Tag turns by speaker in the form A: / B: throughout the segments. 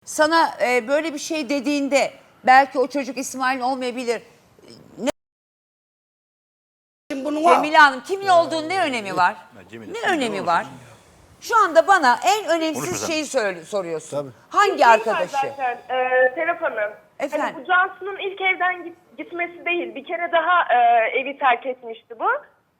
A: sana böyle bir şey dediğinde belki o çocuk İsmail olmayabilir. Cemile Hanım kimin olduğunu ne önemi var? Ne önemi var? Şu anda bana en önemsiz şeyi soruyorsun.
B: Tabii.
A: Hangi arkadaşı?
C: Zaten, Serap Hanım.
A: Efendim?
C: Hani bu Cansu'nun ilk evden gitmesi değil. Bir kere daha evi terk etmişti bu.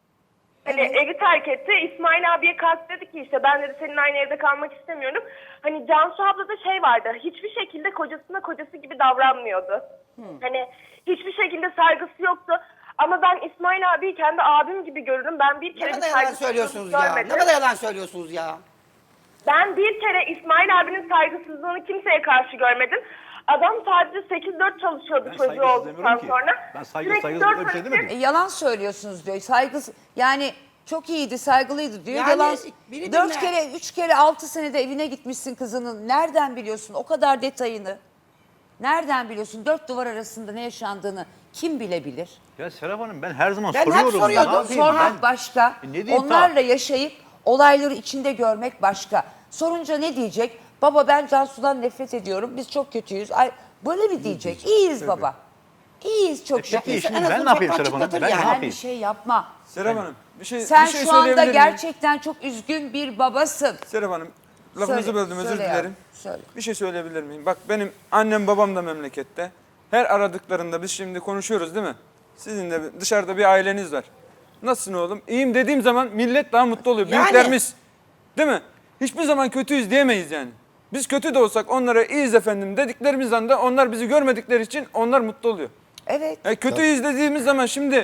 C: Hani evi terk etti. İsmail abiye kalktı dedi ki işte ben dedi senin aynı evde kalmak istemiyorum. Hani Cansu ablada şey vardı. Hiçbir şekilde kocasına kocası gibi davranmıyordu. Hani hiçbir şekilde saygısı yoktu. Ama ben İsmail abiyi kendi abim gibi görürüm. Ben bir kere
D: Ne
C: bir
D: kadar yalan
C: saygısızlık
D: söylüyorsunuz ya.
C: görmedim.
D: Ne kadar yalan söylüyorsunuz ya.
C: Ben bir kere İsmail abinin saygısızlığını kimseye karşı görmedim. Adam sadece 8-4 çalışıyordu
E: Ben
C: çocuğu
E: saygısız
C: olduktan
E: demiyorum ki.
C: sonra.
E: Ben
C: Sürekli
E: saygısız
C: dört
E: öyle bir şey
C: vakit-
E: demedim.
A: Yalan söylüyorsunuz diyor. Saygısı yani çok iyiydi, saygılıydı diyor.
D: Yani
A: Yalan.
D: biri
A: 4
D: dinler.
A: kere, 3 kere, 6 senede evine gitmişsin kızının. Nereden biliyorsun o kadar detayını? Nereden biliyorsun? 4 duvar arasında ne yaşandığını kim bilebilir?
E: Ya Serap Hanım ben her zaman
D: Ben hep
E: soruyorum.
D: soruyordum.
E: Ne yapayım
A: Sormak
E: ben?
A: başka,
E: Ne diyeyim
A: onlarla yaşayıp olayları içinde görmek başka. Sorunca ne diyecek? Baba ben Cansu'dan nefret ediyorum, biz çok kötüyüz. Ay, böyle mi diyecek? İyiyiz baba. İyiyiz çok şükür.
E: Peki şimdi
D: en
E: ben
D: azından
E: ne yapayım
D: ufak
E: Serap Hanım? Ben
D: çıtlatır
E: ne
D: yani.
A: Sen bir
E: yapayım?
A: şey yapma.
F: Serap Hanım bir şey
A: Sen
F: bir şey
A: şu anda
F: söyleyebilir miyim?
A: gerçekten çok üzgün bir babasın.
F: Serap Hanım lafınızı
A: Söyle,
F: böldüm özür
A: söyle
F: dilerim.
A: yavrum, söyle.
F: Bir şey söyleyebilir miyim? Bak benim annem babam da memlekette. Her aradıklarında biz şimdi konuşuyoruz değil mi? Sizin de dışarıda bir aileniz var. Nasılsın oğlum? İyiyim dediğim zaman millet daha mutlu oluyor.
D: Yani.
F: Büyüklerimiz. Değil mi? Hiçbir zaman kötüyüz diyemeyiz yani. Biz kötü de olsak onlara iyiyiz efendim dediklerimizden de onlar bizi görmedikleri için onlar mutlu oluyor.
A: Evet.
F: Kötüyüz dediğimiz zaman şimdi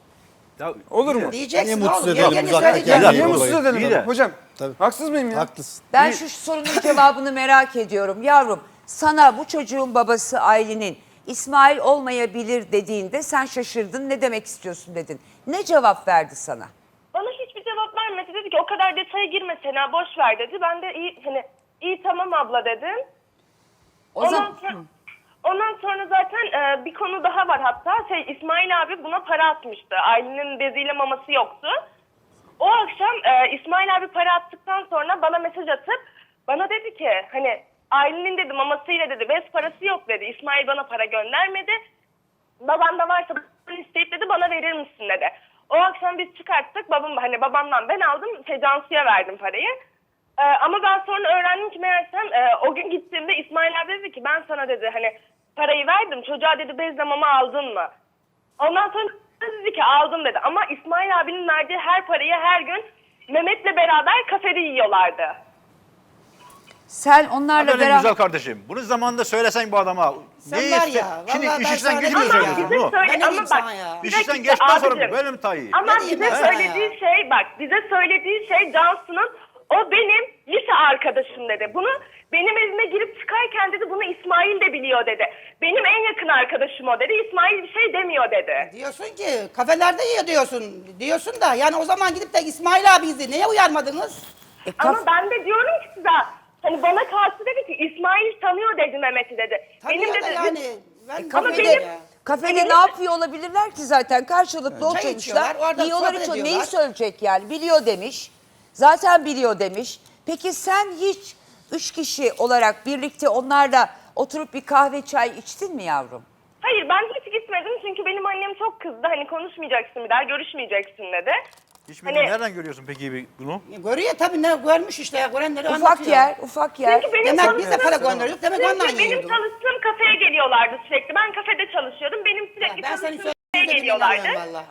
E: Ya,
F: olur mu?
D: Diyeceksin
B: Niye mutsuz
D: oğlum.
B: edelim
D: Yengeniz
B: uzaktan
D: söyleyecek.
B: gel.
F: Niye
B: Olayı.
F: mutsuz edelim?
E: İyi de.
F: Hocam
B: Tabii.
F: haksız mıyım ya?
B: Haklısın.
A: Ben şu sorunun cevabını merak ediyorum. Yavrum sana bu çocuğun babası Aylin'in İsmail olmayabilir dediğinde sen şaşırdın. Ne demek istiyorsun dedin. Ne cevap verdi sana?
C: Bana hiçbir cevap vermedi. Dedi ki o kadar detaya girme Sena boş ver dedi. Ben de iyi tamam abla dedim. Ondan sonra zaten bir konu daha var hatta. İsmail abi buna para atmıştı. Aylin'in beziyle maması yoktu. O akşam İsmail abi para attıktan sonra bana mesaj atıp bana dedi ki hani Aylin'in dedi mamasıyla dedi bez parası yok dedi. İsmail bana para göndermedi. Baban da varsa isteyip dedi bana verir misin dedi. O akşam biz çıkarttık. Babamdan ben aldım. Cansu'ya verdim parayı. Ama ben sonra öğrendim ki meğersem o gün gittiğimde İsmail abi dedi ki ben sana dedi hani parayı verdim. Çocuğa dedi bezle mama aldın mı? Ondan sonra dedi ki aldım dedi. Ama İsmail abinin verdiği her parayı her gün Mehmet'le beraber kafede yiyorlardı.
A: Sen onlarla
E: benim
A: beraber...
E: güzel kardeşim. Bunu zamanında söylesen bu adama.
D: Sen
E: Ne
D: var
E: iste-
D: ya,
E: Şimdi
D: vallahi
E: iş
D: ben
E: işten
D: sana
E: gücünü
D: dedim
C: Ama
D: ya.
E: söylüyorsun
C: bize
E: mu?
C: söyle
D: Ben ne
C: ama
D: diyeyim
C: bak
D: sana ya?
E: İş
C: bir
E: işten
C: dakika
E: geçtikten sonra
C: abicim.
E: böyle mi Tayyip?
C: Ama
D: Ne diyeyim
C: bize
D: ben sana
C: söylediği
D: ya?
C: şey bak bize söylediği şey Cansu'nun o benim lise arkadaşım dedi. Bunu benim evime girip çıkarken dedi bunu İsmail de biliyor dedi. Benim en yakın arkadaşım o dedi. İsmail bir şey demiyor dedi.
D: Diyorsun ki kafelerde yiyor diyorsun da yani o zaman gidip de İsmail abi izle. Neye uyarmadınız?
C: Ama ben de diyorum ki size hani bana karşı dedi ki İsmail tanıyor dedi Mehmet'i dedi.
D: Tanıyor da yani. Ben
C: Ama
D: kafede
C: benim-
D: ya.
A: Kafede ne yapıyor olabilirler ki zaten? Karşılıklı
D: Çay
A: oturmuşlar.
D: içiyorlar, orada
A: Yiyorlar
D: sohbet
A: içiyor. Neyi
D: ediyorlar.
A: söyleyecek yani? Biliyor demiş. Zaten biliyor demiş. Peki sen hiç 3 kişi olarak birlikte onlarla oturup bir kahve çay içtin mi yavrum?
C: Hayır ben hiç gitmedim çünkü benim annem çok kızdı. Hani konuşmayacaksın bir daha görüşmeyeceksin dedi.
E: Hiçbirini
C: Hani-
E: nereden görüyorsun peki bunu?
D: Görüyor tabii ne görmüş işte ya. Görenleri
A: Ufak
D: anlatıyor.
A: yer, ufak yer.
C: Çünkü benim
D: Demek biz de para
C: çalıştığım-
D: gönderiyorduk. Demek ondan
C: Çünkü benim
D: yiyorduk.
C: çalıştığım kafeye geliyorlardı sürekli. Ben kafede çalışıyordum. Benim sürekli
D: Ben senin
C: çalıştığım kafeye
D: söylediğine
C: geliyorlardı.
D: inanıyorum valla.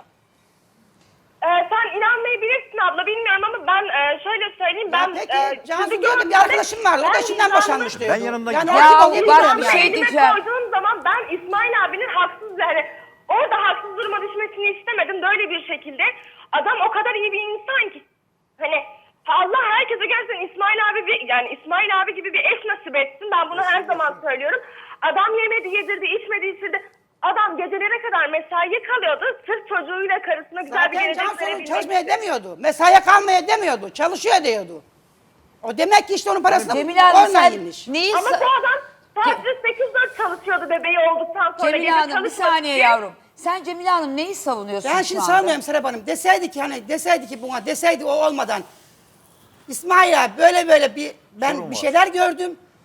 C: Sen inanmayabilirsin abla bilmiyorum ama ben şöyle söyleyeyim. Ben
D: Peki Cansu
C: sizi
D: diyordum bir
C: gördüğümde
D: arkadaşım vardı. O da
C: ben
D: şimdiden
C: vicdanlı-
D: boşanmış diyordu.
E: Ben yanımda
D: yani
E: gidiyorum.
D: o
A: Ya
D: gibi
A: bak
D: bilmiyorum
A: bir
D: yani.
A: şey
C: elime
A: diyeceğim.
C: koyduğum zaman ben İsmail abinin haksız yani orada haksız duruma düşmesini istemedim böyle bir şekilde. Adam o kadar iyi bir insan ki hani Allah herkese gerçekten İsmail abi gibi bir eş nasip etsin. Ben bunu her zaman söylüyorum. Adam yemedi, yedirdi, içmedi, içirdi. Adam gecelere kadar mesaiye kalıyordu. Sırf çocuğuyla karısına güzel bir
D: Zaten
C: gelecek
D: Cansu'nun
C: verebilmek
D: çalışmaya
C: için.
D: demiyordu. Mesaiye kalmaya demiyordu. Çalışıyor diyordu. O demek ki işte onun parasını
A: Cemile Hanım
D: onunla
A: sen
D: yemiş.
A: neyi...
C: Ama bu adam sadece 8-4 çalışıyordu bebeği olduktan sonra.
A: Cemile
C: gece
A: Hanım bir
C: çalışmadı
A: saniye
C: diye.
A: yavrum. Sen Cemile Hanım neyi savunuyorsun
D: Ben
A: şu
D: şimdi
A: anda?
D: sanmıyorum Serap Hanım. Deseydi ki o olmadan İsmail abi böyle bir ben
E: Sorun
D: bir
E: var.
D: şeyler gördüm.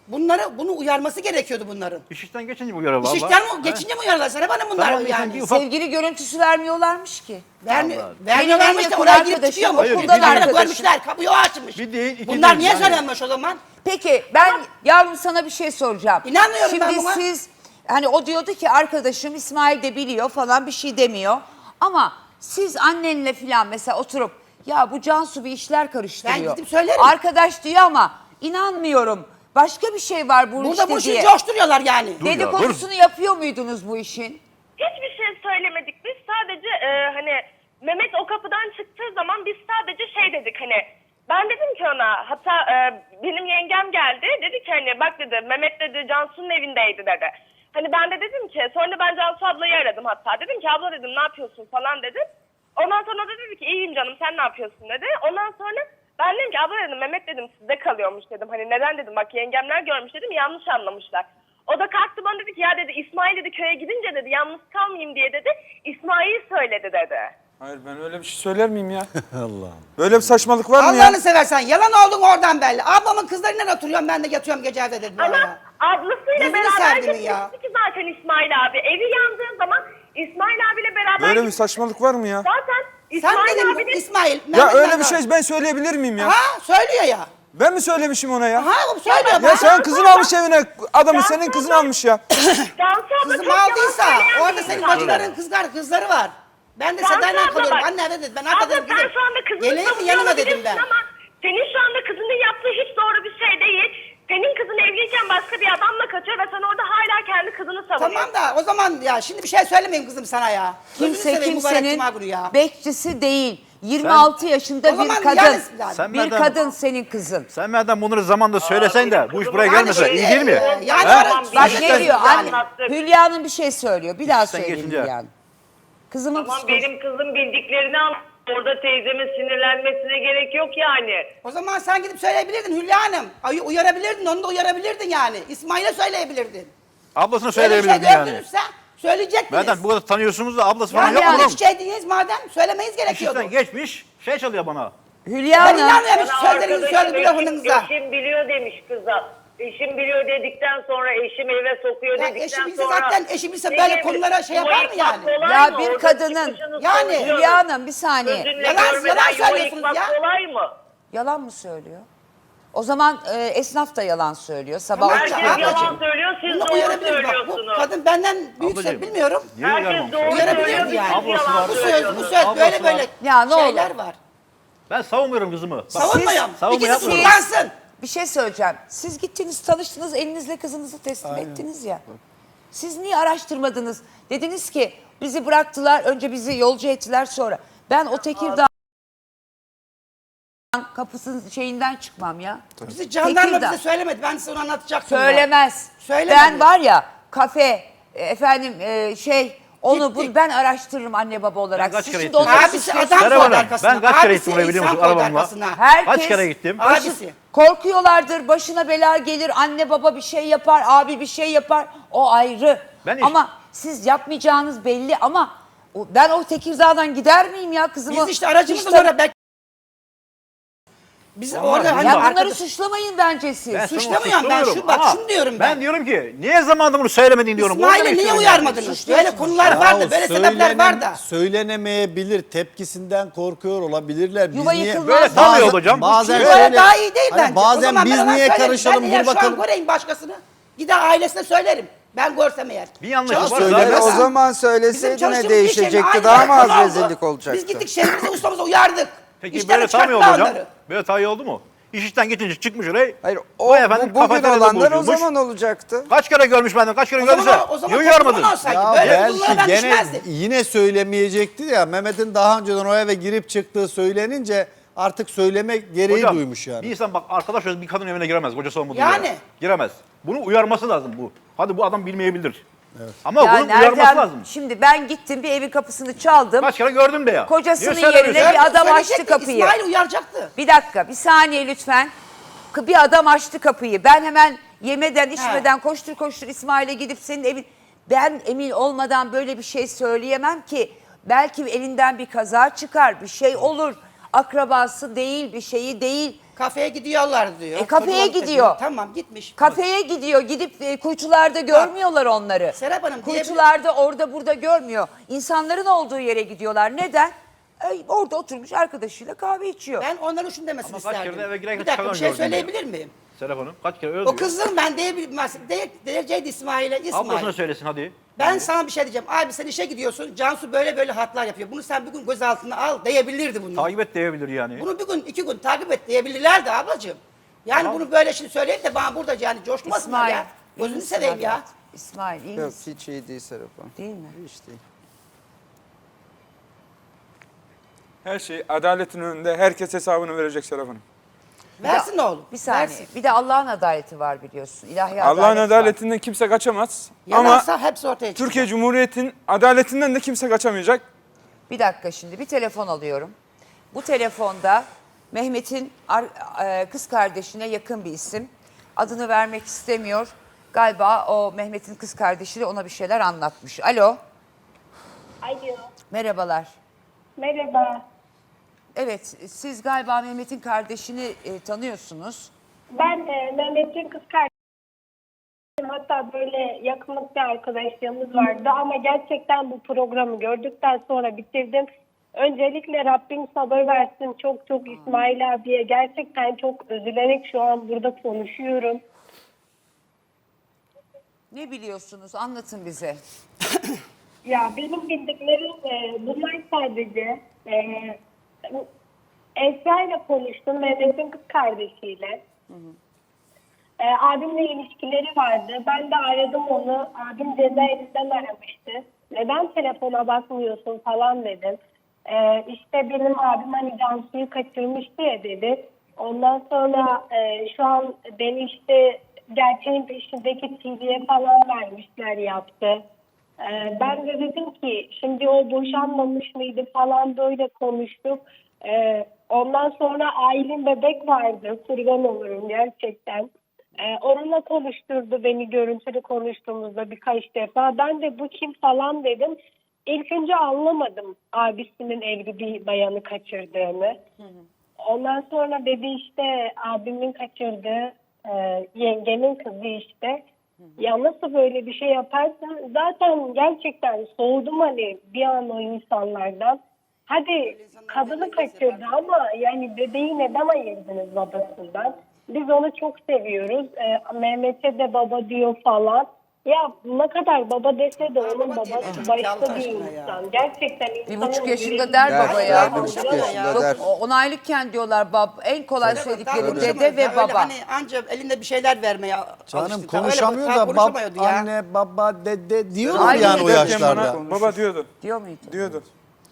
D: Bunu uyarması gerekiyordu bunların.
E: İş işten geçince bu görev valla.
D: İşten geçince mi uyarlar sana bana bunlar
E: Tamam,
D: yani?
E: bir ufak-
A: Sevgili görüntüsü vermiyorlarmış ki.
D: Vermiyorlarmış
A: Benim en
D: da
A: yakın
D: oraya girip
A: arkadaşım,
D: çıkıyor mu?
E: Hayır,
A: okuldan
E: bir de-
A: arkadaşım.
D: Görmüşler, kapıyı o açmış.
E: Bir değil, iki
D: Bunlar
E: değil
D: niye
E: yani.
D: söylenmiş o zaman?
A: Peki ben yavrum sana bir şey soracağım.
D: İnanmıyorum
A: Şimdi
D: ben buna.
A: siz hani o diyordu ki arkadaşım İsmail de biliyor falan bir şey demiyor. Ama siz annenle falan mesela oturup ya bu Cansu bir işler karıştırıyor.
D: Ben gidip söylerim.
A: Arkadaş diyor ama inanmıyorum. Başka bir şey var bu
D: Burada
A: işte
D: bu işi
A: diye.
D: coşturuyorlar yani.
E: Dur ya,
A: Dedikodusunu yapıyor muydunuz bu işin?
C: Hiçbir şey söylemedik. Biz sadece hani Mehmet o kapıdan çıktığı zaman biz sadece şey dedik hani ben dedim ki ona hatta benim yengem geldi dedi ki hani bak dedi Mehmet dedi Cansu'nun evindeydi dedi. Hani ben de dedim ki sonra ben Cansu ablayı aradım hatta dedim ki abla dedim ne yapıyorsun falan dedim. Ondan sonra o da dedi ki iyiyim canım sen ne yapıyorsun dedi. Ondan sonra ben dedim ki abla dedim Mehmet dedim sizde kalıyormuş dedim. Hani neden dedim bak yengemler görmüş dedim yanlış anlamışlar. O da kalktı bana dedi ki ya dedi İsmail dedi köye gidince dedi yalnız kalmayayım diye dedi İsmail söyledi dedi.
F: Hayır ben öyle bir şey söyler miyim ya? Allah'ım. Böyle bir saçmalık var mı ya?
D: Allah'ını seversen yalan oldun oradan belli. Ablamın kızlarıyla oturuyorum ben de yatıyorum gece evde dedi.
C: Ama ablasıyla
D: Gözünü
C: beraber
D: sevdim ya.
C: gitmişti ki zaten İsmail abi. Evi yandığı zaman İsmail abiyle beraber
F: Böyle bir
C: gitmişti.
F: saçmalık var mı ya?
C: Zaten
D: Sen
C: İsmail
D: dedin
C: abinin...
D: İsmail.
F: Ya
D: Mehmet
F: öyle bir
D: Bey-
F: şey ben söyleyebilir miyim ya?
D: Ha söylüyor ya.
F: Ben mi söylemişim ona ya?
D: Ha o söylüyor.
F: Ya sen kızını almış evine. Adamın senin kızını almış ya.
C: Cansu abla
D: Kızım
C: çok yalan
D: aldıysa
C: söyleyen
D: orada
C: bir
D: senin
C: insan.
D: bacıların kızları var. Ben de
C: Cansu
D: Seda'yla
C: abla
D: kalıyorum.
C: bak.
D: Anne evet dedi. Ben
C: Abla
D: hakikaten
C: sen
D: kızım.
C: şu anda kızını
D: Geleyim mi
C: savunuyor
D: yanıma dedim ben.
C: olabilirsin ama senin şu anda kızının yaptığı hiç doğru bir şey değil. Senin kızın evliyken başka bir adamla kaçıyor ve sen orada hala kendi kızını savunuyorsun.
D: Tamam da o zaman ya şimdi bir şey söylemeyeyim kızım sana ya. Gözünü
A: Kimse
D: seveyim mübarek
A: kimsenin
D: cuma günü ya.
A: bekçisi değil. 26 yaşında
D: O
A: bir
D: zaman
A: kadın.
D: yani-
E: Sen
A: bir
E: madem-
A: kadın senin kızın.
E: Sen madem bunları zamanında söylesen de bu iş buraya
D: Yani
E: gelmese
D: şimdi,
E: iyi değil mi?
D: Yani
E: Ha?
D: tamam,
A: Bak
D: işte
A: ne diyor
D: yani.
A: anne? Hülya Hanım bir şey söylüyor. Bir daha
E: İşten
A: söyleyeyim
E: geçince.
A: Hülya Hanım. Kızımın
B: Ama
A: psikolojisi.
B: benim kızım bildiklerini anlattı. Orada teyzemin sinirlenmesine gerek yok yani.
D: O zaman sen gidip söyleyebilirdin Hülya Hanım. Uyarabilirdin, onu da uyarabilirdin yani. İsmail'e söyleyebilirdin.
E: Ablasını
D: Öyle bir şey
E: söyleyebilirdin yani.
D: gördünüzse söyleyecektiniz.
E: Madem bu kadar tanıyorsunuz da ablası falan
D: Yani
E: yok
D: yanlış
E: oğlum.
D: bir şey değiliz madem söylemeyiz gerekiyordu.
E: İşten geçmiş şey çalıyor bana.
A: Hülya
D: Ben
A: Hanım.
D: inanmıyorum
B: Bana
D: sözlerinizi
B: arkadaşım
D: söyledi lafınıza.
B: eşim biliyor demiş kıza. Eşim biliyor dedikten sonra eşim eve sokuyor
D: Ya
B: dedikten
D: eşim bilse
B: sonra.
D: zaten eşim bilse
B: Ne
D: böyle
B: gibi?
D: konulara şey yapar mı
B: Yuva
D: yani?
B: yıkmak kolay
A: Ya
B: mı?
A: bir
B: Orada
A: kadının-
B: çıkışını
D: Yani-
B: söylüyoruz.
A: Hülya Hanım bir saniye.
B: Gözünle
D: Yalan
B: görmeden yuva
D: söylüyorsunuz
B: yıkmak
D: ya.
B: kolay mı?
A: Yalan mı söylüyor? O zaman esnaf da yalan söylüyor. Sabah
D: Tamam,
B: Herkes
D: ablacığım.
B: yalan söylüyor, siz
D: Bunu
B: doğru
D: uyarabiliriz bak. Bu
B: söylüyorsunuz.
D: kadın benden büyükse
E: Ablacığım.
D: bilmiyorum.
E: Niye
B: Herkes
E: uyarmamış?
B: doğru
D: Uyarabilir
B: söylüyor,
D: mi
B: biz
D: yani?
E: Ablası
B: yalan
E: var.
D: Bu söz,
B: söylüyoruz.
D: bu söz
E: Ablası
D: böyle böyle
E: var.
A: Ya ne
D: şeyler
A: olur.
D: var.
E: Ben savunmuyorum kızımı. Bak,
D: Savunmayalım.
E: savunma
D: İkisi
E: yapmıyorum.
D: kurtansın.
A: Bir şey söyleyeceğim. Siz gittiniz tanıştınız elinizle kızınızı teslim ettiniz ya. Siz niye araştırmadınız? Dediniz ki bizi bıraktılar önce bizi yolcu ettiler sonra. Ben o Tekirdağ kapısının şeyinden çıkmam ya.
D: Bizi jandarma
A: Tekirdağ.
D: bize söylemedi. Ben size onu anlatacaktım. ya.
A: Söylemez.
D: Söylemedi.
A: Ben var ya kafe efendim onu
D: Gittik.
A: bunu ben araştırırım anne baba olarak.
E: Ben kaç
A: Siz
E: kere
A: şimdi
E: gittim.
A: onları
D: Abisi
A: suçluyorsunuz.
D: adam
E: Merhaba
D: koydu
E: hanım.
D: arkasına.
E: Ben kaç kere
D: Abisi
E: gittim oraya biliyor musun
D: insan koydu
E: arabamla?
D: arkasına.
A: Herkes
E: Kaç kere gittim?
D: Abisi.
A: Korkuyorlardır. Başına bela gelir. Anne baba bir şey yapar. Abi bir şey yapar. O ayrı.
E: Ben
A: ama siz yapmayacağınız belli ama ben o Tekirdağ'dan gider miyim ya kızımı?
D: Biz işte aracımızla
A: İşte-
D: orada biz orada hani
A: Ya bunları
D: arkadaş-
A: suçlamayın bence siz.
E: Ben
D: Suçlamıyorum
E: sana
D: ben,
E: suçlamıyorum
D: bak
E: ama
D: şunu diyorum
E: Ben
D: ben.
E: diyorum ki niye zamanında bunu söylemedin diyorum. Onu
D: İsmail'e
E: demek
D: niye
E: istiyorum yani.
D: uyarmadınız? Böyle konular vardı, böyle sebepler var da.
G: Söylenemeyebilir, tepkisinden korkuyor olabilirler. Biz
A: Yuva
G: niye
A: yıkılmaz.
E: Böyle tanıyor hocam.
G: Bazen
D: Çünkü öyle
G: söyle.
D: daha iyi değil
G: Hani
D: bence. O
G: bazen
D: zaman ben
G: biz
D: ona
G: niye
D: söylerim.
G: karışalım?
D: Ben
G: Dur
D: eğer şu an
G: bakalım.
D: göreyim başkasını. Gider ailesine söylerim. Ben görsem eğer.
E: Bir yanlış
G: Ya
E: varsa
G: söyle,
F: O
G: o
F: zaman
D: Bizim
F: söyleseydin ne
D: çalıştığımız iş
F: değişecekti?
D: yerinde
F: Daha mı
D: aynı
F: az
D: konu oldu.
F: rezillik olacaktı?
D: Biz gittik şehrimize ustamıza uyardık.
E: Peki
D: İşten
E: böyle tam iyi oldu
D: çıkarttılar
E: hocam.
D: onları.
E: Böyle tam iyi oldu mu? İş işten geçince çıkmış oraya.
F: Hayır
E: Vay efendim,
F: bugün
E: kafeteryada
F: olanlar o
E: buluşulmuş.
F: zaman olacaktı.
E: Kaç kere görmüş benden, kaç kere
D: O
E: görmüşse.
D: zaman, o zaman
E: Niye uyarmadın?
D: toplumdan olsaydı.
G: Ya
D: Böyle
G: belki
D: bunlara ben
G: gene
D: düşmezdim.
G: yine söylemeyecekti ya. Mehmet'in daha önceden o eve girip çıktığı söylenince artık söyleme gereği
E: Hocam,
G: duymuş yani.
E: bir insan bak arkadaş bir kadın evine giremez. Kocası olmadığı
D: Yani.
E: yere. Giremez. Bunu uyarması lazım bu. Hadi bu adam bilmeyebilir. Ama
A: Ya
E: bunun uyarması
A: nereden?
E: lazım.
A: Şimdi ben gittim bir evin kapısını çaldım.
E: Kaç kere gördüm de ya.
A: Kocasının
E: Niye söylemiyorsun?
A: yerine bir adam açtı
D: Söyleyecekti,
A: kapıyı.
D: İsmail uyaracaktı.
A: Bir dakika, bir saniye lütfen. Bir adam açtı kapıyı. Ben hemen yemeden, içmeden koştur koştur İsmail'e gidip senin evin... Ben emin olmadan böyle bir şey söyleyemem ki. Belki elinden bir kaza çıkar, bir şey olur. Akrabası değil, bir şeyi değil.
D: Kafeye gidiyorlar diyor.
A: Kafeye
D: Çocuk
A: gidiyor.
D: diyor. Tamam gitmiş.
A: Kafeye gidiyor. Gidip kuytularda görmüyorlar onları.
D: Serap Hanım,
A: Kuytularda orada burada görmüyor. İnsanların olduğu yere gidiyorlar. Neden? Orada oturmuş arkadaşıyla kahve içiyor.
D: Ben onların şunu demesini
E: Ama kaç
D: isterdim.
E: kere de eve girerken
D: Bir dakika bir şey
E: çıkamıyorum
D: söyleyebilir miyim?
E: Serap Hanım kaç kere öyle
D: O
E: diyor.
D: kızın ben diyecekti İsmail'e. İsmail.
E: Ablasına söylesin hadi.
D: Ben sana bir şey diyeceğim. Abi sen işe gidiyorsun. Cansu böyle böyle hatlar yapıyor. Bunu sen bir gün gözaltına al diyebilirdi bunu.
E: Takip et diyebilir yani.
D: Bunu bir gün 2 gün takip et diyebilirlerdi ablacığım. Yani
E: Tamam.
D: bunu böyle şimdi söyleyip de bana burada yani coşmasınlar ya.
A: iyi
D: Gözünü
A: misin
D: seveyim ya.
A: evlat? İsmail iyi
G: Yok
A: misin?
G: hiç iyi değil Serap Hanım.
A: Değil mi?
G: Hiç değil.
F: Her şey adaletin önünde herkes hesabını verecek Serap Hanım.
D: Versin oğlum.
A: Bir saniye.
D: Versin.
A: Bir de Allah'ın adaleti var biliyorsun. İlahi
F: Allah'ın
A: adalet var.
F: adaletinden kimse kaçamaz.
D: Yalansa
F: Ama
D: hepsi ortaya çıkacak.
F: Türkiye Cumhuriyeti'nin adaletinden de kimse kaçamayacak.
A: Bir dakika şimdi bir telefon alıyorum. Bu telefonda Mehmet'in kız kardeşine yakın bir isim. Adını vermek istemiyor. Galiba o Mehmet'in kız kardeşi de ona bir şeyler anlatmış. Alo,
C: Alo.
A: merhabalar.
C: Merhaba.
A: Evet, siz galiba Mehmet'in kardeşini tanıyorsunuz.
C: Ben Mehmet'in kız kardeşim. Hatta böyle yakınlık bir arkadaşlığımız vardı ama gerçekten bu programı gördükten sonra bitirdim. Öncelikle Rabbim sabır versin. Çok çok İsmail abiye gerçekten çok üzülerek şu an burada konuşuyorum.
A: Ne biliyorsunuz? Anlatın bize.
C: Ya benim bildiklerim bunlar sadece Esra ile konuştum, Mehmet'in kız kardeşiyle. Abimle ilişkileri vardı. Ben de aradım onu. Abim cezaevinden aramıştı. Neden telefona bakmıyorsun falan dedim. İşte benim abim hani Cansu'yu kaçırmıştı ya dedi. Ondan sonra şu an beni işte gerçeğin peşindeki TV'ye falan vermişler yaptı. Ben de dedim ki şimdi o boşanmamış mıydı falan böyle konuştuk. Ondan sonra Aylin bebek vardı. Kurban olurum gerçekten. Onunla konuşturdu beni görüntülü konuştuğumuzda birkaç defa. Ben de bu kim falan dedim. İlk önce anlamadım abisinin evli bir bayanı kaçırdığını. Ondan sonra dedi işte abimin kaçırdığı yengemin kızı işte. Ya nasıl böyle bir şey yaparsan zaten gerçekten soğudum hani bir an o insanlardan. Hadi kadını kaçırdı ama yani bebeği neden ayırdınız babasından? Biz onu çok seviyoruz. Mehmet'e de baba diyor falan. Ya ne kadar baba dese de onun babası başka bir insan. Gerçekten insanın
A: 1,5 yaşında
C: yüreği-
A: der
G: Der,
A: baba ya.
G: 1,5 yaşında
A: Çok
G: der.
A: 10 aylıkken diyorlar en kolay
D: Daha
A: söyledikleri
D: konuşamıyor
A: dede
D: ya,
A: ve
D: öyle
A: baba.
D: Hani anca elinde bir şeyler vermeye
G: Canım
D: alıştı.
G: konuşamıyor
D: Öyle,
G: da
D: konuşamıyordu ya.
G: anne, baba, dede diyorlar
A: Hayır,
G: yani o
A: derken
G: yaşlarda.
F: Baba diyordu.
A: Diyor muydu?
F: Diyordu.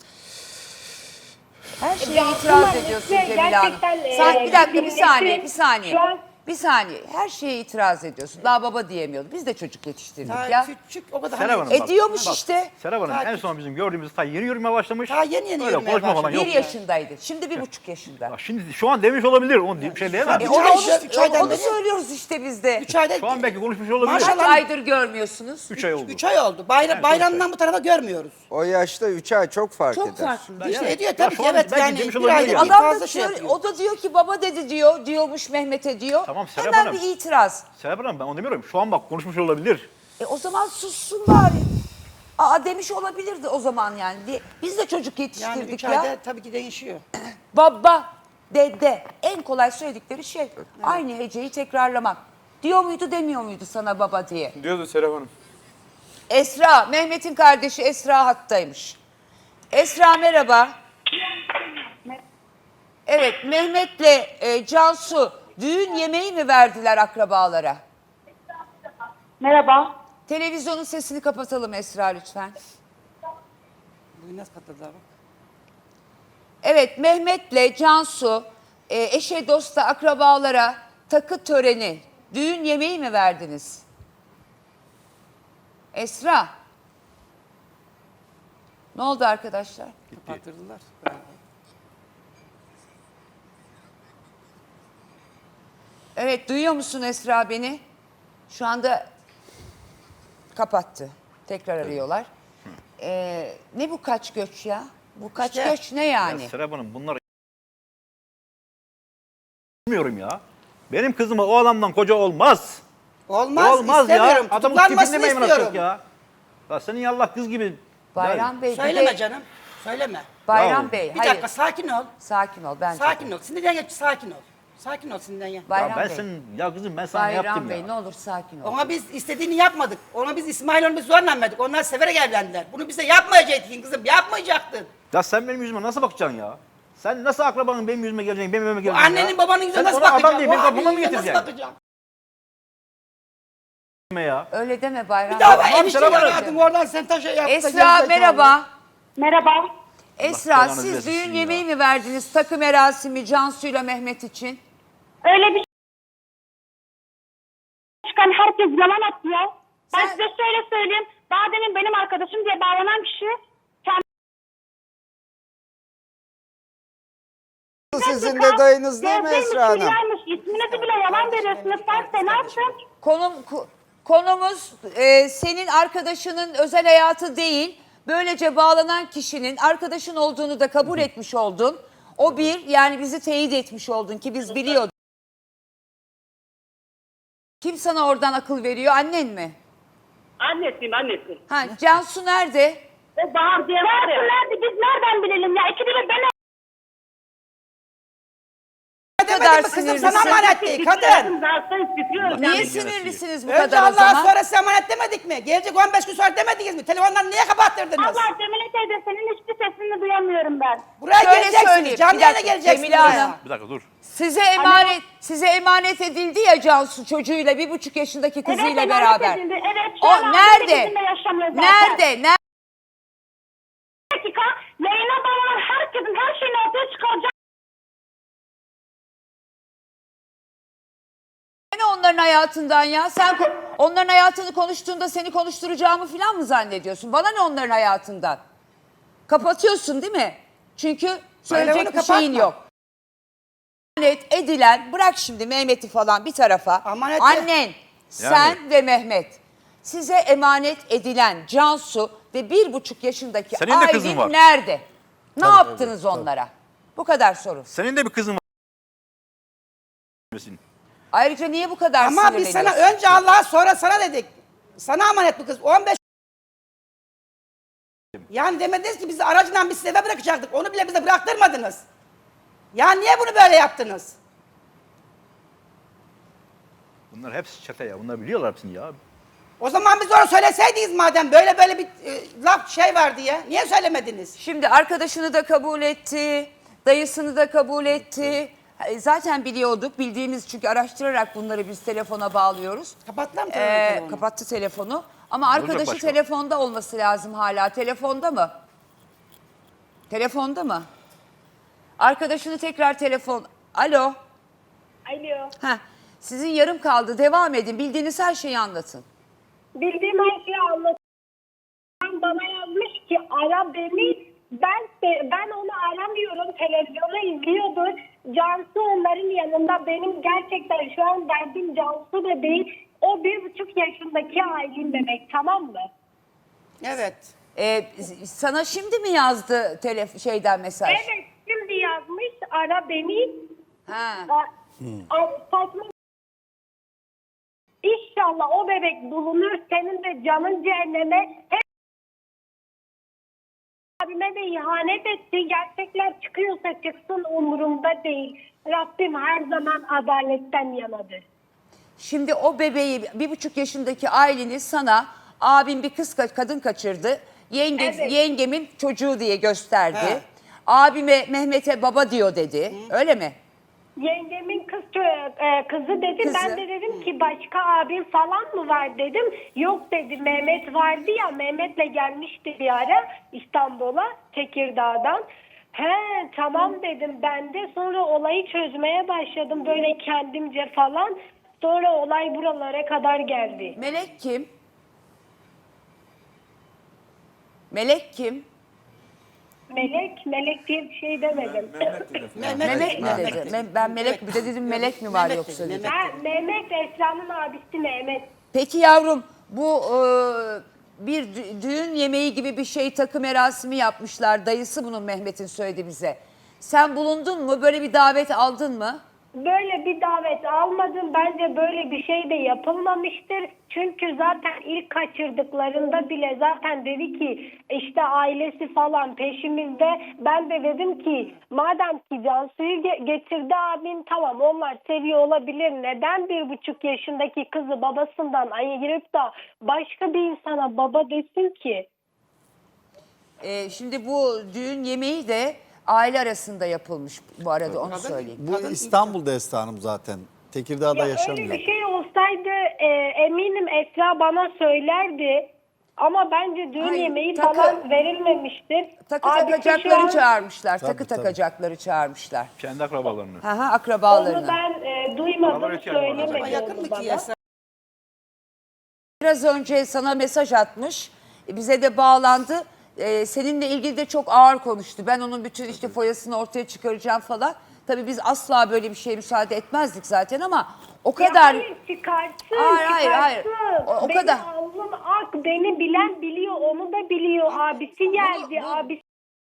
A: Her şeye
C: Ya
A: itiraz
C: bunlar
A: ediyorsun
C: işte
A: Cemile Hanım.
C: gerçekten,
A: Bir dakika bir
C: milletin
A: saniye bir saniye.
C: şu an-
A: Bir saniye. Her şeye itiraz ediyorsun. Daha baba diyemiyordu. Biz de çocuk yetiştirdik
D: Daha
A: ya.
D: küçük o kadar.
E: Serap
D: hani-
E: Hanım bak.
A: Ediyormuş
E: bak,
A: işte.
E: Serap Hanım en son bizim gördüğümüz ta yeni yürümeye başlamış.
D: Daha yeni
E: Öyle
D: yürümeye
E: konuşma falan
D: başladı.
E: yok.
A: 1 yaşındaydı. Şimdi 1,5 yaşında.
E: Bak şimdi şu an demiş olabilir. Onu bir şey diyemem.
D: Üç
A: Onu,
D: ay-
A: onu,
D: üç aydan
A: onu
D: beri-
A: söylüyoruz işte biz de.
D: 3 ayda
E: Şu an belki konuşmuş olabilir.
D: Maşallah.
A: Kaç aydır görmüyorsunuz?
E: 3 ay oldu.
D: 3 ay oldu. Bayramdan bu tarafa görmüyoruz.
H: O yaşta 3 ay çok fark
A: Çok
H: eder.
A: farklı.
D: İşte
E: evet.
D: ediyor
E: Ya
D: tabii
E: şu
D: ki
E: an
D: evet
E: belki
D: yani
E: demiş
D: bir
E: olabilir
D: ayda
E: yani.
D: bir
A: Adam da
D: fazla şey yapıyor.
A: o da diyor ki baba dedi diyormuş Mehmet'e diyor.
E: Tamam, Serap
A: Hemen
E: Hanım.
A: bir itiraz.
E: Serap Hanım ben onu demiyorum. Şu an bak konuşmuş olabilir.
A: O zaman sussun bari. Demiş olabilirdi o zaman yani. Biz de çocuk
D: Yani
A: yetiştirdik
D: 3
A: ya.
D: ayda tabii ki değişiyor.
A: Baba, dede en kolay söyledikleri şey aynı heceyi tekrarlamak. Diyor muydu demiyor muydu sana baba diye.
F: Diyordu Serap Hanım.
A: Esra, Mehmet'in kardeşi Esra hattaymış. Esra merhaba. Evet, Mehmet'le Cansu düğün yemeği mi verdiler akrabalara?
C: Merhaba.
A: Televizyonun sesini kapatalım Esra lütfen.
D: Bugün nasıl katıldılar bak.
A: Evet, Mehmet'le Cansu eşe dosta akrabalara takı töreni, düğün yemeği mi verdiniz? Esra. Ne oldu arkadaşlar?
D: Kapattırdılar.
A: Evet, duyuyor musun Esra beni? Şu anda kapattı. Tekrar arıyorlar. Ne bu kaç göç ya? Bu kaç
D: İşte.
A: göç ne yani?
E: Ya Serap Hanım bunlar Bilmiyorum ya. Benim kızıma o adamdan koca olmaz.
D: Olmaz,
E: Olmaz ya.
D: istemiyorum.
E: Adamın
D: Tutuklanmasını
E: tipinde mi
D: istiyorum.
E: emrah ya? Ya senin yallah kız gibi.
A: Bayram Bey bir
D: Söyleme
A: de
D: canım. Söyleme.
A: Bayram
E: Ya,
A: Bey
D: Bir
A: hayır.
D: dakika sakin ol.
A: Sakin ol ben.
D: Sakin ol. Sinirden geç sakin ol. Sakin ol sinirden ya.
A: Bayram
E: Ya ben
A: Bey.
E: senin ya kızım ben sana yaptım
A: Bayram Bey
E: ya.
A: ne olur sakin ol.
D: Ona biz istediğini yapmadık. Ona biz İsmail onu biz zorla verdik. Onlar severek evlendiler. Bunu bize yapmayacaktın kızım. Yapmayacaktın.
E: Ya sen benim yüzüme nasıl bakacaksın ya? Sen nasıl akrabanın benim yüzüme geleceksin, benim evime
D: Bu
E: geleceksin ya?
D: annenin babanın yüzüne
E: Sen
D: nasıl
E: ona adam
D: bakacaksın?
E: değil,
D: O
E: benim
D: abinin
E: kapıma mı
D: yüzüne nasıl
E: getireceksin?
D: bakacaksın?
E: Ya.
A: Öyle deme Bayram
D: Bir daha
A: Bey.
D: ben enişte
E: selam aleyküm.
D: aradım oradan sen taşa yaptın.
A: Esra merhaba.
C: Merhaba.
A: Esra
E: belanı
A: siz
E: versin
A: düğün
E: ya.
A: yemeği mi verdiniz takı merasimi Cansu'yla Mehmet için?
C: Öyle bir çıkan herkes yalan atıyor. Ben
A: Sen-
C: size şöyle söyleyeyim. Daha demin benim arkadaşım diye bağlanan kişi
H: Sizin de dayınız değil mi Esra Hanım?
C: İsminizi bile yalan veriyorsunuz. Sen ne yaptın?
A: Konumuz senin arkadaşının özel hayatı değil. Böylece bağlanan kişinin arkadaşın olduğunu da kabul etmiş oldun. O bir yani bizi teyit etmiş oldun ki biz biliyorduk. Kim sana oradan akıl veriyor annen mi?
B: Annesiyim annesi.
A: Ha, Cansu nerede?
B: O bağır diye var ya.
C: Nerede? Biz nereden bilelim ya? İkide bir ben
D: Demedim mi kızım sana emanet değil kadın.
A: Niye sinirlisiniz bu
D: Önce
A: kadar o
D: Allah'a
A: zaman?
D: sonra size emanet demedik mi? Gelecek 15 gün sonra demediniz mi? Telefonları niye kapattırdınız?
C: Allah Cemile teyze senin hiçbir sesini duyamıyorum ben.
D: Buraya
A: Şöyle
D: geleceksiniz.
A: söyleyeyim,
D: Canlı
A: bir
D: yayına
A: dakika,
D: geleceksiniz.
A: Cemile
D: buraya.
A: Hanım.
E: Bir dakika dur.
A: Size emanet edildi ya Cansu çocuğuyla 1,5 yaşındaki kızıyla
C: emanet
A: beraber.
C: edildi. Evet, şu
A: O
C: an
A: nerede?
C: 18'inde yaşamıyor zaten.
A: Nerede? Nerede?
C: Bir dakika. Yayına bağlanan herkesin her şeyini ortaya çıkaracak.
A: Ne onların hayatından ya? Sen onların hayatını konuştuğunda seni konuşturacağımı falan mı zannediyorsun? Bana ne onların hayatından? Kapatıyorsun değil mi? Çünkü söyleyecek
D: onu
A: bir şeyin
D: kapatma.
A: yok. Emanet edilen, bırak şimdi Mehmet'i falan bir tarafa.
D: Amaneti-
A: Annen, sen ve Mehmet. Size emanet edilen Cansu ve 1,5 yaşındaki
E: Senin de kızın
A: Aylin
E: var.
A: nerede? Ne yaptınız onlara? Bu kadar soru.
E: Senin de bir kızın var.
A: Ayrıca niye bu kadar
D: Ama biz sana
A: sinirleniyorsun?
D: önce Allah'a sonra sana dedik. Sana emanet bu kız. 15 yani demediniz ki bizi aracından biz size eve bırakacaktık. Onu bile bize bıraktırmadınız. Ya niye bunu böyle yaptınız?
E: Bunlar hepsi çete ya. Bunlar biliyorlar hepsini ya.
D: O zaman biz onu söyleseydiniz madem böyle böyle bir laf şey var diye. Niye söylemediniz?
A: Şimdi arkadaşını da kabul etti, dayısını da kabul etti. Zaten biliyorduk, bildiğimiz çünkü araştırarak bunları biz telefona bağlıyoruz.
D: Kapattılar mı telefonu?
A: Kapattı telefonu. Ama arkadaşı
E: başka?
A: telefonda olması lazım hala. Telefonda mı? Telefonda mı? Arkadaşını tekrar telefon... Alo.
C: Alo.
A: Heh, sizin yarım kaldı. Devam edin. Bildiğiniz her şeyi anlatın.
C: Bildiğim her şeyi anlatıyorum. Bana yazmış ki ara beni. Ben onu aramıyorum. Televizyonu izliyordur. Cansu onların yanında. Benim gerçekten şu an derdim Cansu da değil. O 1,5 yaşındaki Aylin bebek, tamam mı?
D: Evet.
A: Sana şimdi mi yazdı şeyden mesaj?
C: Evet, şimdi yazmış ara beni.
A: Ha.
C: Saçma. İnşallah o bebek bulunur. Senin de canın cehenneme. Hep abime de ihanet etti. Gerçekler çıkıyorsa çıksın, umurumda değil. Rabbim her zaman adaletten yanadır.
A: Şimdi o bebeği 1,5 yaşındaki Aylin'i sana abim bir kadın kaçırdı.
C: Evet.
A: Yengemin çocuğu diye gösterdi.
D: He.
A: Abime Mehmet'e baba diyor dedi. Öyle mi?
C: Yengemin kızı dedi.
A: Kızı.
C: Ben de dedim ki başka abim falan mı var dedim. Yok dedi, Mehmet vardı ya, Mehmet'le gelmişti bir ara İstanbul'a, Tekirdağ'dan. He tamam dedim ben de. Sonra olayı çözmeye başladım böyle kendimce falan. Sonra olay buralara kadar geldi.
A: Melek kim? Melek kim?
C: Melek diye bir şey demedim.
A: Mehmet mi dedi? Ben Melek mi dedim, Melek mi var
D: Mehmet
A: yoksa
D: dedi,
A: dedim.
C: Mehmet Esra'nın abisi Mehmet.
A: Peki yavrum bu bir düğün yemeği gibi bir şey takı merasimi yapmışlar. Dayısı bunun Mehmet'in söyledi bize. Sen bulundun mu? Böyle bir davet aldın mı?
I: böyle bir davet almadım. Bence böyle bir şey de yapılmamıştır. Çünkü zaten ilk kaçırdıklarında bile zaten dedi ki işte ailesi falan peşimizde. Ben de dedim ki madem ki Cansu'yu getirdi abin, tamam onlar seviyor olabilir. Neden 1,5 yaşındaki kızı babasından ayırıp da başka bir insana baba desin ki?
A: Şimdi bu düğün yemeği de aile arasında yapılmış bu arada, onu söyleyeyim.
G: Bu İstanbul'da Esra Hanım zaten. Tekirdağ'da yaşamıyor.
I: Öyle bir şey olsaydı eminim Esra bana söylerdi. Ama bence düğün
A: Hayır,
I: yemeği
A: takı-
I: falan verilmemiştir.
A: Takı
I: Abisi
A: takacakları
I: şu an-
A: çağırmışlar.
G: Tabii,
A: takı
G: tabii.
A: takacakları çağırmışlar.
E: Kendi akrabalarını.
A: Aha, akrabalarını.
I: Onu ben duymadım,
E: Bana öyle geldi.
D: Acaba
I: söylemedi
D: yakın
I: onu
D: mı ki
I: bana.
D: Esra?
A: Biraz önce sana mesaj atmış. Bize de bağlandı. Seninle ilgili de çok ağır konuştu. Ben onun bütün işte foyasını ortaya çıkaracağım falan. Tabii biz asla böyle bir şeye müsaade etmezdik zaten ama o kadar...
I: Ya hayır, çıkarsın,
A: Hayır. O
I: Benim
A: kadar.
I: alnım ak, beni bilen biliyor, onu da biliyor. Abisi geldi, abisi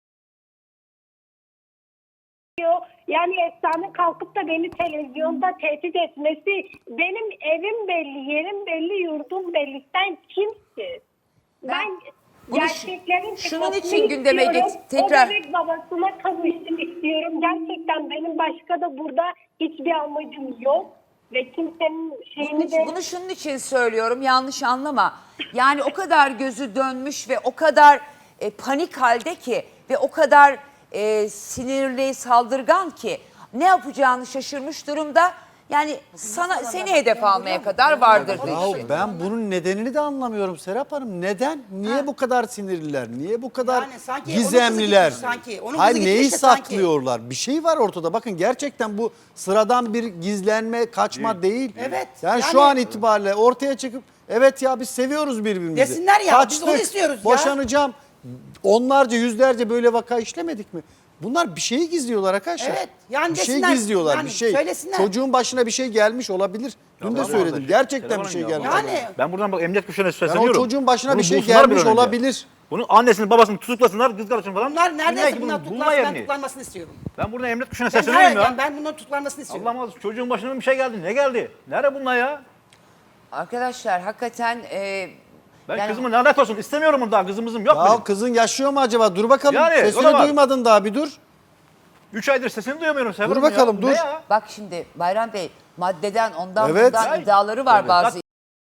I: biliyor. Yani Esra'nın kalkıp da beni televizyonda tehdit etmesi, benim evim belli, yerim belli, yurdum belli. Sen kimsin? Ben
A: Bunu
I: gerçeklerin
A: şunun
I: çıkmasını
A: için gündeme
I: istiyorum.
A: tekrar...
I: O bebek babasına kavuşsun istiyorum. Gerçekten benim başka da burada hiçbir amacım yok. Ve kimsenin şeyini de...
A: Bunu şunun için söylüyorum, yanlış anlama. Yani o kadar gözü dönmüş ve o kadar panik halde ki ve o kadar sinirli, saldırgan ki ne yapacağını şaşırmış durumda. Yani seni hedef almaya kadar vardır bu
G: Ya
A: işin.
G: ben bunun nedenini de anlamıyorum Serap Hanım. Neden? Niye bu kadar sinirliler? Niye bu kadar
D: Yani sanki onun kızı
G: gizemliler?
D: gitmiş sanki. Onun
G: Hayır,
D: kızı
G: neyi
D: gitmiş de sanki.
G: saklıyorlar? Bir şey var ortada. Bakın gerçekten bu sıradan bir gizlenme, kaçma değil.
D: Evet,
G: Yani şu
D: yani-
G: an itibariyle ortaya çıkıp evet ya biz seviyoruz birbirimizi.
D: Desinler ya, biz onu istiyoruz ya.
G: Boşanacağım. Onlarca, yüzlerce böyle vaka işlemedik mi? Bunlar bir şeyi gizliyorlar arkadaşlar.
D: Evet, yani
G: bir şey
D: desinler,
G: gizliyorlar,
D: yani
G: bir şey.
D: söylesinler.
G: Çocuğun başına bir şey gelmiş olabilir. Dün de
E: Olamaz
G: söyledim.
E: da.
G: Gerçekten bir
E: Telefon
G: şey
E: ya.
G: gelmiş.
D: Yani
E: Ben buradan bak emniyet güçlerine
G: Yani
E: sesleniyorum.
G: o çocuğun başına
E: Bunu
G: bir şey
E: bulsunlar bir
G: gelmiş
E: an önce.
G: olabilir.
E: Bunun annesini babasını tutuklasınlar, kız kardeşini falan.
D: Bunlar
E: Dinler
D: neredeyse
E: ki
D: bunlar
E: bunu bulma
D: tutuklansın, ben
E: yerini.
D: tutuklanmasını istiyorum.
E: Ben buradan emniyet güçlerine
D: Ben,
E: sesleniyorum ya.
D: ben bunların tutuklanmasını istiyorum.
E: Allah'ım Allah, çocuğun başına bir şey geldi. Ne geldi? Nerede bunlar ya?
A: Arkadaşlar hakikaten...
E: Ben
A: yani-
E: kızımı lanet olsun istemiyorum bunu daha. Kızımızım yok benim.
G: Ya kızın yaşıyor mu acaba? Dur bakalım.
E: Yani, o da
G: Sesini
E: var.
G: duymadın daha, bir dur.
E: 3 aydır sesini duyamıyorum. Severim
G: Dur bakalım,
E: ya.
G: dur.
E: Ne ya?
A: Bak şimdi Bayram Bey, maddeden ondan
G: Evet.
A: bundan iddiaları var bazı.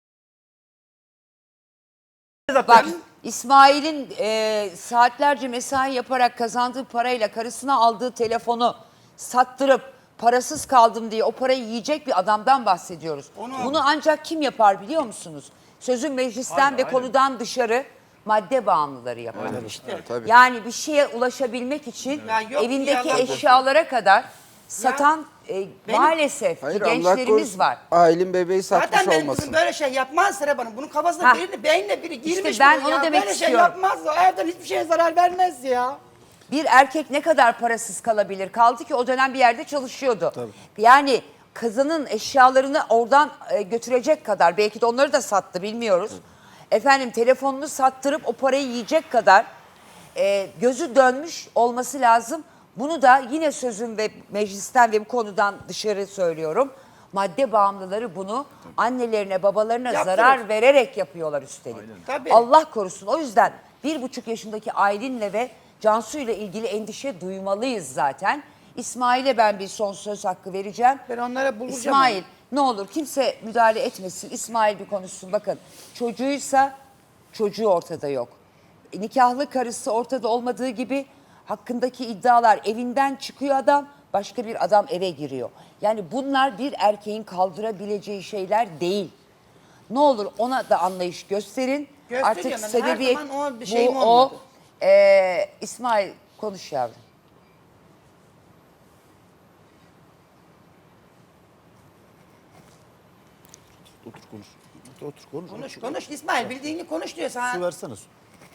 E: Zaten
A: Bak İsmail'in saatlerce mesai yaparak kazandığı parayla karısına aldığı telefonu sattırıp parasız kaldım diye o parayı yiyecek bir adamdan bahsediyoruz. Bunu ancak kim yapar biliyor musunuz? Sözün meclisten ve konudan dışarı madde bağımlıları yapar. Yani bir şeye ulaşabilmek için
D: Ya yok
A: evindeki
D: ya,
A: eşyalara kadar satan maalesef ki
H: Hayır, Allah
A: gençlerimiz
H: korusun.
A: var.
H: Ailen bebeği satmış
D: Zaten benim
H: olmasın.
D: kızım böyle şey yapmaz Serap Hanım. Bunun kafasına
A: Hah.
D: beynine biri girmiş.
A: ben
D: bunun
A: onu
D: ya.
A: demek
D: böyle
A: istiyorum.
D: şey yapmaz. O evden hiçbir şeye zarar vermez ya.
A: Bir erkek ne kadar parasız kalabilir? Kaldı ki o dönem bir yerde çalışıyordu. Yani kızının eşyalarını oradan götürecek kadar, belki de onları da sattı bilmiyoruz. Efendim telefonunu sattırıp o parayı yiyecek kadar gözü dönmüş olması lazım. Bunu da yine sözüm ve meclisten ve bu konudan dışarı söylüyorum. Madde bağımlıları bunu annelerine, babalarına
D: Yaptırır.
A: zarar vererek yapıyorlar üstelik.
D: Tabii.
A: Allah korusun. O yüzden 1,5 yaşındaki Aylin'le ve Cansu ile ilgili endişe duymalıyız zaten. İsmail'e ben bir son söz hakkı vereceğim.
D: Ben onlara bulacağım.
A: İsmail ne olur kimse müdahale etmesin. İsmail bir konuşsun. Bakın çocuğuysa çocuğu ortada yok. Nikahlı karısı ortada olmadığı gibi hakkındaki iddialar, evinden çıkıyor adam, başka bir adam eve giriyor. Yani bunlar bir erkeğin kaldırabileceği şeyler değil. Ne olur ona da anlayış gösterin.
D: Gösteriyorum
A: Artık
D: ben, her
A: sebebiyet
D: zaman o bir şeyim
A: bu
D: olmadı.
A: İsmail konuş yavrum.
G: Otur konuş. Otur konuş.
D: Konuş İsmail, bildiğini konuş diyor sana.
G: Su versene su.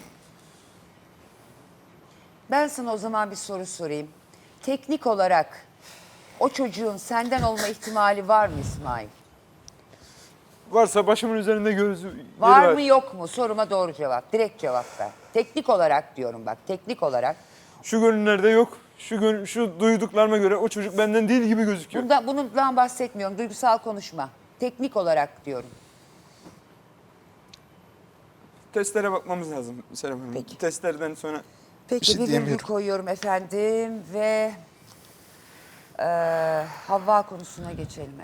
A: Ben sana o zaman bir soru sorayım. Teknik olarak o çocuğun senden olma ihtimali var mı İsmail?
F: Varsa başımın üzerinde gözü
A: Var mı yok mu? Soruma doğru cevap. Direkt cevap ver. Teknik olarak diyorum bak. Teknik olarak.
F: Şu günlerde yok. Şu duyduklarıma göre o çocuk benden değil gibi gözüküyor.
A: Bundan bahsetmiyorum. Duygusal konuşma. Teknik olarak diyorum.
F: Testlere bakmamız lazım Serap Hanım.
A: Peki.
F: Testlerden sonra
A: Peki
H: şey
A: bir virgül
H: diyemiyorum.
A: koyuyorum efendim ve Havva konusuna geçelim.